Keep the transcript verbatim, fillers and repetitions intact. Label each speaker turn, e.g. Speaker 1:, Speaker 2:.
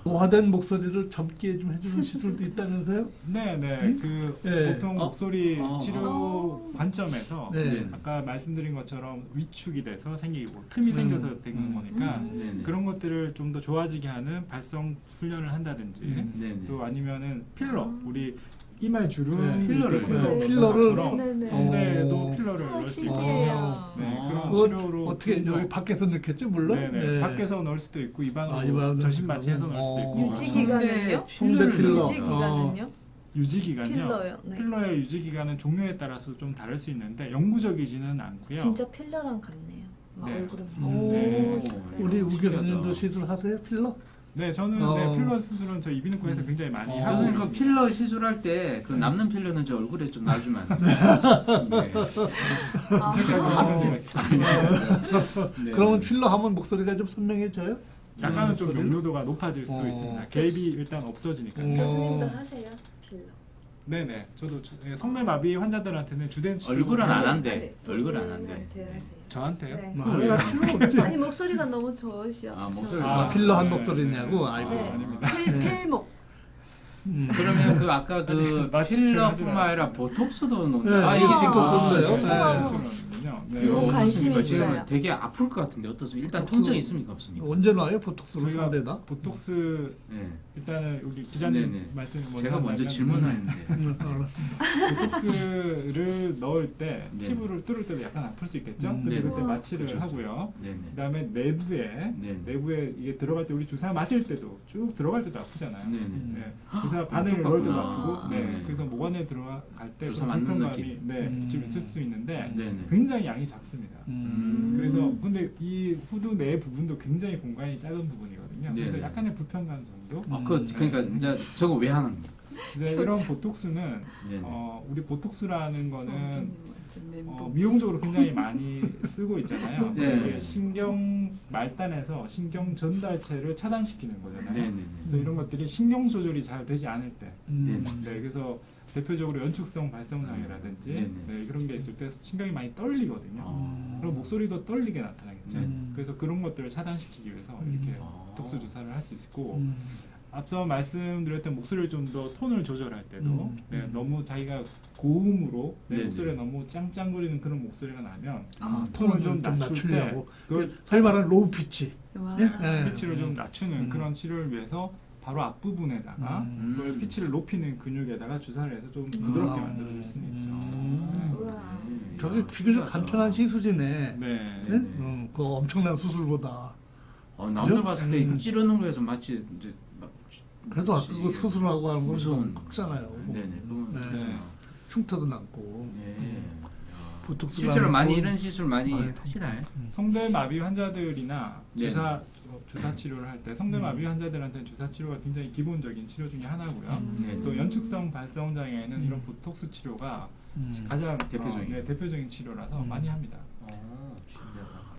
Speaker 1: 노화된 목소리를 젊게 좀 해주는 시술도 있다면서요?
Speaker 2: 네네.
Speaker 1: 음?
Speaker 2: 그
Speaker 1: 네.
Speaker 2: 보통
Speaker 3: 어?
Speaker 2: 목소리
Speaker 3: 어,
Speaker 2: 치료
Speaker 4: 어.
Speaker 2: 관점에서
Speaker 1: 네.
Speaker 2: 아까 말씀드린 것처럼 위축이 돼서 생기고 틈이
Speaker 1: 음.
Speaker 2: 생겨서 되는
Speaker 1: 음.
Speaker 2: 거니까
Speaker 4: 음.
Speaker 3: 네네.
Speaker 2: 그런 것들을 좀 더 좋아지게 하는 발성 훈련을 한다든지
Speaker 1: 음.
Speaker 3: 네네.
Speaker 2: 또 아니면은 필러
Speaker 4: 아.
Speaker 2: 우리 이말 주름
Speaker 1: 네.
Speaker 3: 필러를.
Speaker 1: 네. 필러를
Speaker 4: 네네.
Speaker 2: 성대에도
Speaker 1: 어.
Speaker 2: 필러를
Speaker 4: 아,
Speaker 2: 넣을 수 있고
Speaker 4: 신기해요.
Speaker 2: 네,
Speaker 3: 어.
Speaker 2: 그런
Speaker 1: 그거
Speaker 2: 치료로
Speaker 1: 어떻게
Speaker 2: 좀 더-
Speaker 1: 여기 밖에서 넣겠죠, 물론?
Speaker 2: 네네.
Speaker 1: 네.
Speaker 2: 밖에서 넣을 수도 있고 입안으로
Speaker 1: 아, 입안으로
Speaker 2: 전신 마취해서 넣을 수도 있고
Speaker 1: 어.
Speaker 4: 유지
Speaker 3: 성대
Speaker 4: 기간은요?
Speaker 1: 성대 필러.
Speaker 4: 유지 기간은요?
Speaker 2: 유지 기간요.
Speaker 4: 필러요. 네.
Speaker 2: 필러의 유지 기간은 종류에 따라서 좀 다를 수 있는데 영구적이지는 않고요.
Speaker 4: 진짜 필러랑 같네요. 아,
Speaker 2: 네,
Speaker 4: 얼굴은.
Speaker 2: 맞습니다.
Speaker 4: 오,
Speaker 2: 네.
Speaker 4: 진짜요?
Speaker 1: 우리 우
Speaker 3: 신기하다.
Speaker 1: 교수님도 시술하세요, 필러?
Speaker 2: 네, 저는
Speaker 1: 어.
Speaker 2: 네, 필러 수술은 저 이비인후과에서 굉장히 많이
Speaker 1: 어.
Speaker 2: 하고
Speaker 3: 교수님 그
Speaker 2: 있습니다.
Speaker 3: 필러 시술할 때 그 남는 필러는 저 얼굴에 좀 놔주면 안 돼요? 네.
Speaker 4: 아,
Speaker 2: 아,
Speaker 4: 진짜.
Speaker 3: 네.
Speaker 1: 그러면 필러 하면 목소리가 좀 선명해져요?
Speaker 2: 약간은 좀
Speaker 1: 목소리를?
Speaker 2: 명료도가 높아질 수
Speaker 1: 어.
Speaker 2: 있습니다. 개입이 일단 없어지니까요.
Speaker 1: 어.
Speaker 4: 교수님도 하세요? 필러.
Speaker 2: 네네, 저도 주, 예, 성대마비 환자들한테는 주된 치료
Speaker 3: 얼굴은 안
Speaker 4: 아니,
Speaker 3: 한대.
Speaker 4: 아니,
Speaker 3: 얼굴은 안 한대.
Speaker 4: 본인한테 하세요.
Speaker 2: 저한테요?
Speaker 4: 네.
Speaker 1: 뭐 할 필요 없지.
Speaker 4: 아니 목소리가 너무 좋으셔.
Speaker 3: 아, 목소리.
Speaker 1: 아, 필러 한
Speaker 2: 네,
Speaker 1: 목소리냐고?
Speaker 2: 네,
Speaker 1: 아이고.
Speaker 2: 네.
Speaker 4: 네.
Speaker 2: 아닙니다.
Speaker 4: 필, 필목.
Speaker 1: 음.
Speaker 3: 그러면 그 아까 그
Speaker 2: 아직 마취를 하진
Speaker 3: 필러뿐만 아니라
Speaker 2: 않았습니다.
Speaker 3: 보톡스도 놓는.
Speaker 1: 네,
Speaker 3: 아 이게 지금
Speaker 1: 보톡스
Speaker 3: 보톡스예요?
Speaker 1: 썼어요.
Speaker 4: 네.
Speaker 2: 수는요. 네.
Speaker 4: 이건
Speaker 3: 이거
Speaker 4: 관심이
Speaker 3: 어떻습니까? 지금
Speaker 4: 있어요.
Speaker 3: 되게 아플 것 같은데 어떻습니까? 일단
Speaker 1: 보톡스-
Speaker 3: 통증 있습니까 없습니까?
Speaker 1: 언제 나와요, 보톡스로
Speaker 2: 저희가
Speaker 1: 상대다?
Speaker 2: 보톡스
Speaker 3: 네.
Speaker 2: 일단은 우리 기자님
Speaker 3: 네네.
Speaker 2: 말씀 먼저
Speaker 3: 제가 먼저
Speaker 2: 한다면
Speaker 3: 질문하는데.
Speaker 1: 음, 알았습니다.
Speaker 2: 보톡스를 넣을 때
Speaker 3: 네.
Speaker 2: 피부를 뚫을 때도 약간 아플 수 있겠죠.
Speaker 1: 음,
Speaker 2: 근데
Speaker 3: 네.
Speaker 2: 그때
Speaker 4: 우와.
Speaker 2: 마취를
Speaker 3: 그렇죠.
Speaker 2: 하고요.
Speaker 3: 네네.
Speaker 2: 그다음에 내부에
Speaker 3: 네.
Speaker 2: 내부에 이게 들어갈 때 우리 주사 맞을 때도 쭉 들어갈 때도 아프잖아요.
Speaker 3: 네네.
Speaker 2: 네. 주사 바늘 넣을 때도
Speaker 3: 똑같구나.
Speaker 2: 아프고, 네.
Speaker 3: 네네.
Speaker 2: 그래서 목 안에 들어갈 때
Speaker 3: 주사
Speaker 2: 그런
Speaker 3: 맞는
Speaker 2: 불편감이
Speaker 3: 느낌.
Speaker 2: 네,
Speaker 1: 음.
Speaker 2: 좀 있을 수 있는데
Speaker 3: 네네.
Speaker 2: 굉장히 양이 작습니다.
Speaker 1: 음.
Speaker 2: 그래서 근데 이 후두 내 부분도 굉장히 공간이 작은 부분이거든요. 그래서
Speaker 3: 네네.
Speaker 2: 약간의 불편감 정도.
Speaker 3: 아, 그 그러니까 이제 저거 왜 하는 거예요?
Speaker 2: 이제 이런 보톡스는
Speaker 3: 네네.
Speaker 2: 어, 우리 보톡스라는 거는
Speaker 4: 완전
Speaker 2: 어,
Speaker 4: 멘붕.
Speaker 2: 미용적으로 굉장히 많이 쓰고 있잖아요.
Speaker 3: 네.
Speaker 2: 이게 신경 말단에서 신경 전달체를 차단시키는 거잖아요.
Speaker 3: 네네네.
Speaker 2: 그래서 이런 것들이 신경 조절이 잘 되지 않을 때,
Speaker 1: 음.
Speaker 2: 네, 그래서 대표적으로 연축성 발성 장애라든지
Speaker 3: 네네.
Speaker 2: 네, 그런 게 있을 때 신경이 많이 떨리거든요.
Speaker 3: 아.
Speaker 2: 그럼 목소리도 떨리게 나타나겠죠.
Speaker 1: 음.
Speaker 2: 그래서 그런 것들을 차단시키기 위해서
Speaker 1: 음.
Speaker 2: 이렇게
Speaker 3: 아.
Speaker 2: 보톡스 주사를 할 수 있고
Speaker 1: 음.
Speaker 2: 앞서 말씀드렸던 목소리를 좀 더 톤을 조절할 때도
Speaker 1: 음.
Speaker 2: 네,
Speaker 1: 음.
Speaker 2: 너무 자기가 고음으로 내
Speaker 3: 네네.
Speaker 2: 목소리가 너무 짱짱거리는 그런 목소리가 나면
Speaker 1: 아,
Speaker 2: 톤을
Speaker 1: 톤을
Speaker 2: 좀
Speaker 1: 좀
Speaker 2: 낮출
Speaker 1: 낮추려고.
Speaker 2: 그걸
Speaker 1: 소위 말하는 로우 피치.
Speaker 4: 와.
Speaker 1: 예?
Speaker 2: 네,
Speaker 1: 네.
Speaker 2: 피치를 좀 낮추는
Speaker 1: 음.
Speaker 2: 그런 치료를 위해서 바로 앞부분에다가
Speaker 1: 음.
Speaker 2: 그걸 피치를 높이는 근육에다가 주사를 해서 좀
Speaker 4: 음.
Speaker 2: 부드럽게
Speaker 1: 아.
Speaker 2: 만들어줄 수는 있죠.
Speaker 1: 음.
Speaker 4: 우와.
Speaker 1: 저게 비교적 간편한 시술이네.
Speaker 2: 네.
Speaker 1: 네?
Speaker 3: 네.
Speaker 1: 음, 그 엄청난 수술보다.
Speaker 3: 어, 남들
Speaker 1: 그죠?
Speaker 3: 봤을 때
Speaker 1: 음.
Speaker 3: 찌르는 거에서 마치 이제 막
Speaker 1: 그래도 아까 그 수술하고 하는 건
Speaker 3: 무서운
Speaker 1: 좀 크잖아요.
Speaker 3: 네네. 그건
Speaker 1: 네.
Speaker 2: 네.
Speaker 1: 흉터도 남고.
Speaker 3: 네.
Speaker 1: 음.
Speaker 3: 야.
Speaker 1: 보톡스
Speaker 3: 실제로 많이
Speaker 1: 돈-
Speaker 3: 이런 시술 많이
Speaker 1: 많이
Speaker 3: 하시나요?
Speaker 2: 성대마비 환자들이나
Speaker 3: 네.
Speaker 2: 주사 주사 치료를 할 때 성대마비 환자들한테는 주사 치료가 굉장히 기본적인 치료 중에 하나고요.
Speaker 1: 음.
Speaker 3: 네.
Speaker 2: 또 연축성 발성 장애에는
Speaker 1: 음.
Speaker 2: 이런 보톡스 치료가
Speaker 1: 음.
Speaker 2: 가장
Speaker 3: 대표적인.
Speaker 2: 어, 네, 대표적인 치료라서
Speaker 1: 음.
Speaker 2: 많이 합니다.